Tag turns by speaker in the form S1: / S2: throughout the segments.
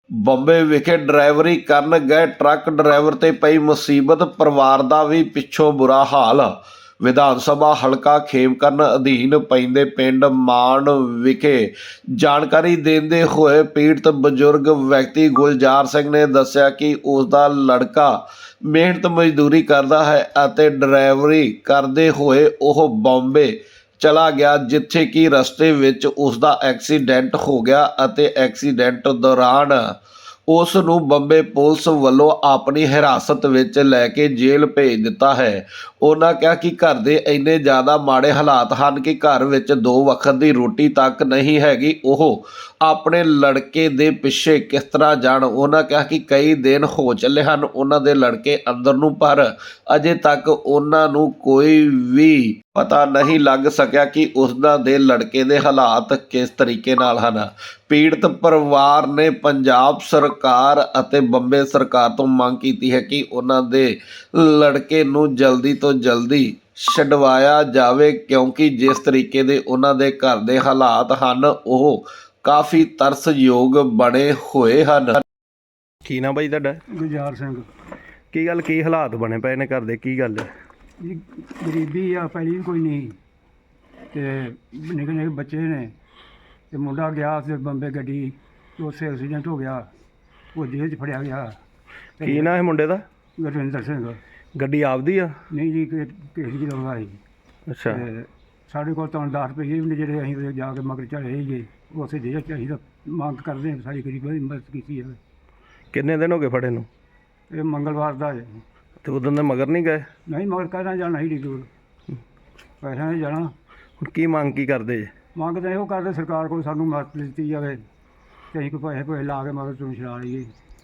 S1: ਬੰਬੇ ਵਿਖੇ ਡਰਾਈਵਰੀ ਕਰਨ ਗਏ ਟਰੱਕ ਡਰਾਈਵਰ ਤੇ ਪਈ ਮੁਸੀਬਤ, ਪਰਿਵਾਰ ਦਾ ਵੀ ਪਿੱਛੋਂ ਬੁਰਾ ਹਾਲ। ਵਿਧਾਨ ਸਭਾ ਹਲਕਾ ਖੇਮਕਰਨ ਅਧੀਨ ਪੈਂਦੇ ਪਿੰਡ ਮਾਨ ਵਿਖੇ ਜਾਣਕਾਰੀ ਦਿੰਦੇ ਹੋਏ ਪੀੜਤ ਬਜ਼ੁਰਗ ਵਿਅਕਤੀ ਗੁਲਜ਼ਾਰ ਸਿੰਘ ਨੇ ਦੱਸਿਆ ਕਿ ਉਸ ਦਾ ਲੜਕਾ ਮਿਹਨਤ ਮਜ਼ਦੂਰੀ ਕਰਦਾ ਹੈ ਅਤੇ ਡਰਾਈਵਰੀ ਕਰਦੇ ਹੋਏ ਉਹ ਬੰਬੇ ਚਲਾ ਗਿਆ, ਜਿੱਥੇ ਕਿ ਰਸਤੇ ਵਿੱਚ ਉਸ ਦਾ ਐਕਸੀਡੈਂਟ ਹੋ ਗਿਆ ਅਤੇ ਐਕਸੀਡੈਂਟ ਦੌਰਾਨ ਉਸ ਨੂੰ ਬੰਬੇ ਪੁਲਿਸ ਵੱਲੋਂ ਆਪਣੀ ਹਿਰਾਸਤ ਵਿੱਚ ਲੈ ਕੇ ਜੇਲ੍ਹ ਭੇਜ ਦਿੱਤਾ ਹੈ। ਉਹਨਾਂ ਕਿਹਾ ਕਿ ਘਰ ਦੇ ਇੰਨੇ ਜ਼ਿਆਦਾ ਮਾੜੇ ਹਾਲਾਤ ਹਨ ਕਿ ਘਰ ਵਿੱਚ 2 ਵਕਤ ਦੀ ਰੋਟੀ ਤੱਕ ਨਹੀਂ ਹੈਗੀ। ਉਹ ਆਪਣੇ ਲੜਕੇ ਦੇ ਪਿੱਛੇ ਕਿਸ ਤਰ੍ਹਾਂ ਜਾਣ। ਉਹਨਾਂ ਕਿਹਾ ਕਿ ਕਈ ਦਿਨ ਹੋ ਚੱਲੇ ਹਨ ਉਹਨਾਂ ਦੇ ਲੜਕੇ ਅੰਦਰ ਨੂੰ, ਪਰ ਅਜੇ ਤੱਕ ਉਹਨਾਂ ਨੂੰ ਕੋਈ ਵੀ ਪਤਾ ਨਹੀਂ ਲੱਗ ਸਕਿਆ ਕਿ ਉਸਦਾ ਦੇ ਲੜਕੇ ਦੇ ਹਾਲਾਤ ਕਿਸ ਤਰੀਕੇ ਨਾਲ ਹਨ। ਪੀੜਤ ਪਰਿਵਾਰ ਨੇ ਪੰਜਾਬ ਸਰਕਾਰ ਅਤੇ ਬੰਬੇ ਸਰਕਾਰ ਤੋਂ ਮੰਗ ਕੀਤੀ ਹੈ ਕਿ ਉਹਨਾਂ ਦੇ ਲੜਕੇ ਨੂੰ ਜਲਦੀ ਤੋਂ ਜਲਦੀ ਛਡਵਾਇਆ ਜਾਵੇ, ਕਿਉਂਕਿ ਜਿਸ ਤਰੀਕੇ ਦੇ ਉਹਨਾਂ ਦੇ ਘਰ ਦੇ ਹਾਲਾਤ ਹਨ ਉਹ ਕਾਫੀ ਤਰਸਯੋਗ ਬਣੇ ਹੋਏ ਹਨ।
S2: ਕੀ ਨਾ ਬਾਈ ਤੁਹਾਡਾ?
S3: ਗੁਲਜ਼ਾਰ ਸਿੰਘ।
S2: ਕੀ ਗੱਲ, ਕੀ ਹਾਲਾਤ ਬਣੇ ਪਏ ਨੇ ਘਰ ਦੇ, ਕੀ ਗੱਲ ਹੈ?
S3: ਜੀ ਗਰੀਬੀ ਆ, ਪਹਿਲੀ ਵੀ ਕੋਈ ਨਹੀਂ ਤੇ ਨਿੱਕੇ ਨਿੱਕੇ ਬੱਚੇ ਨੇ ਤੇ ਮੁੰਡਾ ਗਿਆ ਤੇ ਬੰਬੇ ਗੱਡੀ ਉਸੇ ਐਕਸੀਡੈਂਟ ਹੋ ਗਿਆ, ਉਹ ਜੇਲ੍ਹ 'ਚ ਫੜਿਆ ਗਿਆ।
S2: ਕੀ ਨਾ ਹੈ ਮੁੰਡੇ ਦਾ?
S3: ਗੁਰਵਿੰਦਰ ਸਿੰਘ।
S2: ਗੱਡੀ ਆਪਦੀ ਆ?
S3: ਨਹੀਂ ਜੀ, ਕਿਸੇ ਦੀ ਲਾਉਂਦਾ ਸੀ।
S2: ਅੱਛਾ।
S3: ਤੇ ਸਾਡੇ ਕੋਲ ਤਾਂ 10 ਰੁਪਏ ਵੀ ਨੇ ਜਿਹੜੇ ਅਸੀਂ ਉਹਦੇ ਜਾ ਕੇ ਮਗਰ ਚੜੇ ਸੀਗੇ, ਉਸੇ ਜੇਲ੍ਹ 'ਚ ਅਸੀਂ ਤਾਂ ਮੰਗ ਕਰਦੇ ਹਾਂ ਸਾਡੀ ਗਰੀਬਾਂ ਦੀ ਮਦਦ ਕੀਤੀ ਜਾਵੇ।
S2: ਕਿੰਨੇ ਦਿਨ ਹੋ ਗਏ ਫੜੇ ਨੂੰ?
S3: ਇਹ ਮੰਗਲਵਾਰ ਦਾ ਹੈ।
S2: ਤੇ ਉਦੋਂ ਦੇ ਮਗਰ ਨਹੀਂ ਗਏ?
S3: ਨਹੀਂ, ਮਗਰ ਕਹਿਣਾ ਜਾਣਾ ਹੀ ਦੂਰ, ਪੈਸਿਆਂ ਨੇ ਜਾਣਾ।
S2: ਹੁਣ ਕੀ ਮੰਗ ਕੀ ਕਰਦੇ ਜੇ?
S3: ਮੰਗ ਤਾਂ ਇਹੋ ਕਰਦੇ ਸਰਕਾਰ ਕੋਲ ਸਾਨੂੰ ਮਦਦ ਦਿੱਤੀ ਜਾਵੇ ਤੇ ਅਸੀਂ ਕੋਈ ਪੈਸੇ ਲਾ ਕੇ ਮਗਰ ਤੋਂ ਛੁਡਾ ਲਈਏ।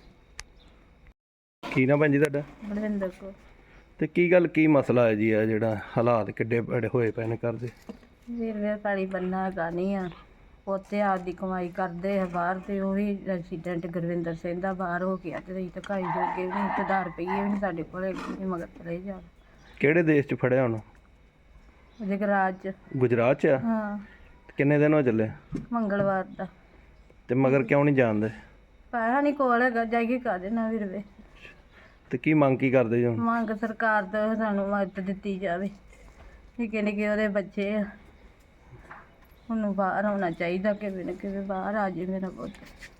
S2: ਕੀ ਨਾ ਭੈਣ ਜੀ ਤੁਹਾਡਾ?
S4: ਬਲਵਿੰਦਰ ਕੌਰ।
S2: ਤੇ ਕੀ ਗੱਲ, ਕੀ ਮਸਲਾ ਹੈ ਜੀ? ਆ ਜਿਹੜਾ ਹਾਲਾਤ ਕਿੱਡੇ ਬੜੇ ਹੋਏ ਪਏ ਨੇ ਘਰ ਦੇ?
S4: ਵੀਰ ਪੈਲੀ ਬੰਨਾ ਹੈਗਾ ਨਹੀਂ ਆ, ਉੱਥੇ ਆਪਦੀ ਕਮਾਈ ਕਰਦੇ ਆ ਬਾਹਰ, ਤੇ ਉਹ ਵੀ ਐਕਸੀਡੈਂਟ ਗੁਰਵਿੰਦਰ ਸਿੰਘ ਦਾ ਬਾਹਰ ਹੋ ਗਿਆ ਤੇ ਅਸੀਂ ਧਕਾਈ ਜੋਗੇ ਵੀ ਨਹੀਂ, ਤੇ 10 ਰੁਪਏ ਵੀ ਨਹੀਂ ਸਾਡੇ ਕੋਲ ਹੈਗੇ, ਮਗਰ ਚਲੇ ਜਾ।
S2: ਕਿਹੜੇ ਦੇਸ਼ 'ਚ ਫੜਿਆ ਹੁਣ?
S4: ਜਗਰਾਜ ਚ।
S2: ਗੁਜਰਾਤ 'ਚ ਆ?
S4: ਹਾਂ,
S2: ਕਿੰਨੇ ਦਿਨ ਹੋ ਚੱਲੇ?
S4: ਮੰਗਲਵਾਰ ਦਾ।
S2: ਤੇ ਮਗਰ ਕਿਉਂ ਨਹੀਂ ਜਾਣਦੇ?
S4: ਪੈਸਾ ਨਹੀਂ ਕੋਲ ਹੈਗਾ, ਜਾਈਏ ਕਾਹਦੇ ਨਾਲ ਵੀਰ ਵੇ।
S2: ਤੇ ਕੀ ਮੰਗ ਕੀ ਕਰਦੇ ਜੀ ਹੁਣ?
S4: ਮੰਗ ਸਰਕਾਰ ਤੋਂ ਸਾਨੂੰ ਮਦਦ ਦਿੱਤੀ ਜਾਵੇ, ਨਿੱਕੇ ਨਿੱਕੇ ਉਹਦੇ ਬੱਚੇ ਆ, ਉਹਨੂੰ ਬਾਹਰ ਆਉਣਾ ਚਾਹੀਦਾ, ਕਿਵੇਂ ਨਾ ਕਿਵੇਂ ਬਾਹਰ ਆ ਜੇ ਮੇਰਾ ਪੁੱਤ।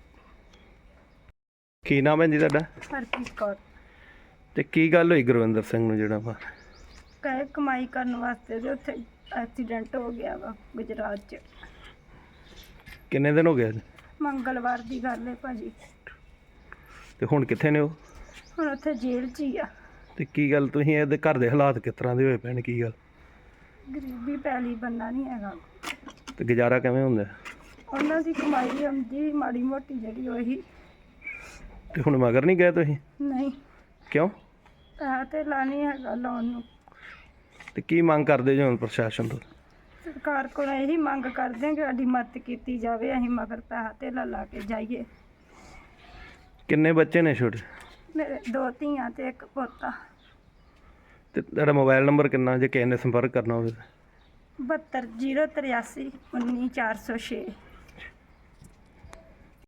S2: ਕੀ ਨਾਮ ਹੈ ਜੀ ਤੁਹਾਡਾ?
S4: ਹਰਪ੍ਰੀਤ ਕੌਰ।
S2: ਤੇ ਕੀ ਗੱਲ ਹੋਈ ਗੁਰਵਿੰਦਰ ਸਿੰਘ ਨੂੰ ਜਿਹੜਾ ਬਾਹਰ?
S4: ਕਹੇ ਕਮਾਈ ਕਰਨ ਵਾਸਤੇ ਤੇ ਉੱਥੇ ਐਕਸੀਡੈਂਟ ਹੋ ਗਿਆ ਵਾ ਗੁਜਰਾਤ 'ਚ।
S2: ਕਿੰਨੇ ਦਿਨ ਹੋ ਗਏ ਅੱਜ?
S4: ਮੰਗਲਵਾਰ ਦੀ ਗੱਲ ਹੈ ਭਾਜੀ।
S2: ਤੇ ਹੁਣ ਕਿੱਥੇ ਨੇ ਉਹ?
S4: ਹੁਣ ਉੱਥੇ ਜੇਲ੍ਹ 'ਚ ਹੀ ਆ।
S2: ਤੇ ਕੀ ਗੱਲ, ਤੁਸੀਂ ਇਹਦੇ ਘਰ ਦੇ ਹਾਲਾਤ ਕਿਸ ਤਰ੍ਹਾਂ ਦੇ ਹੋਏ ਪਏ ਨੇ, ਕੀ ਗੱਲ?
S4: ਗਰੀਬੀ ਪੈਲੀ ਬੰਨਾ ਨਹੀਂ ਹੈਗਾ,
S2: ਤੇ ਗੁਜ਼ਾਰਾ ਕਿਵੇਂ ਹੁੰਦਾ?
S4: ਉਹਨਾਂ ਦੀ ਕਮਾਈ ਆਉਂਦੀ ਮਾੜੀ ਮੋਟੀ ਜਿਹੜੀ ਉਹੀ।
S2: ਤੇ ਹੁਣ ਮਗਰ ਨਹੀਂ ਗਏ ਤੁਸੀਂ?
S4: ਨਹੀਂ,
S2: ਕਿਉਂ?
S4: ਪੈਸਾ ਤੇ ਲਾਣੀ ਹੈਗਾ ਲਾਉਣ ਨੂੰ।
S2: ਤੇ ਕੀ ਮੰਗ ਕਰਦੇ ਜੀ ਹੁਣ ਪ੍ਰਸ਼ਾਸਨ ਤੋਂ?
S4: ਸਰਕਾਰ ਕੋਲ ਇਹੀ ਮੰਗ ਕਰਦੇ ਹਾਂ ਕਿ ਸਾਡੀ ਮਦਦ ਕੀਤੀ ਜਾਵੇ, ਅਸੀਂ ਮਗਰ ਪੈਸਾ ਤੇ ਲਾ ਕੇ ਜਾਈਏ।
S2: ਕਿੰਨੇ ਬੱਚੇ ਨੇ ਛੋਟੇ?
S4: ਮੇਰੇ 2 ਧੀਆਂ ਤੇ 1 ਪੋਤਾ।
S2: ਤੇ ਤੁਹਾਡਾ ਮੋਬਾਈਲ ਨੰਬਰ ਕਿੰਨਾ ਜੇ ਕਿਸੇ ਨੇ ਸੰਪਰਕ ਕਰਨਾ ਹੋਵੇ?
S4: 72 083 19 406।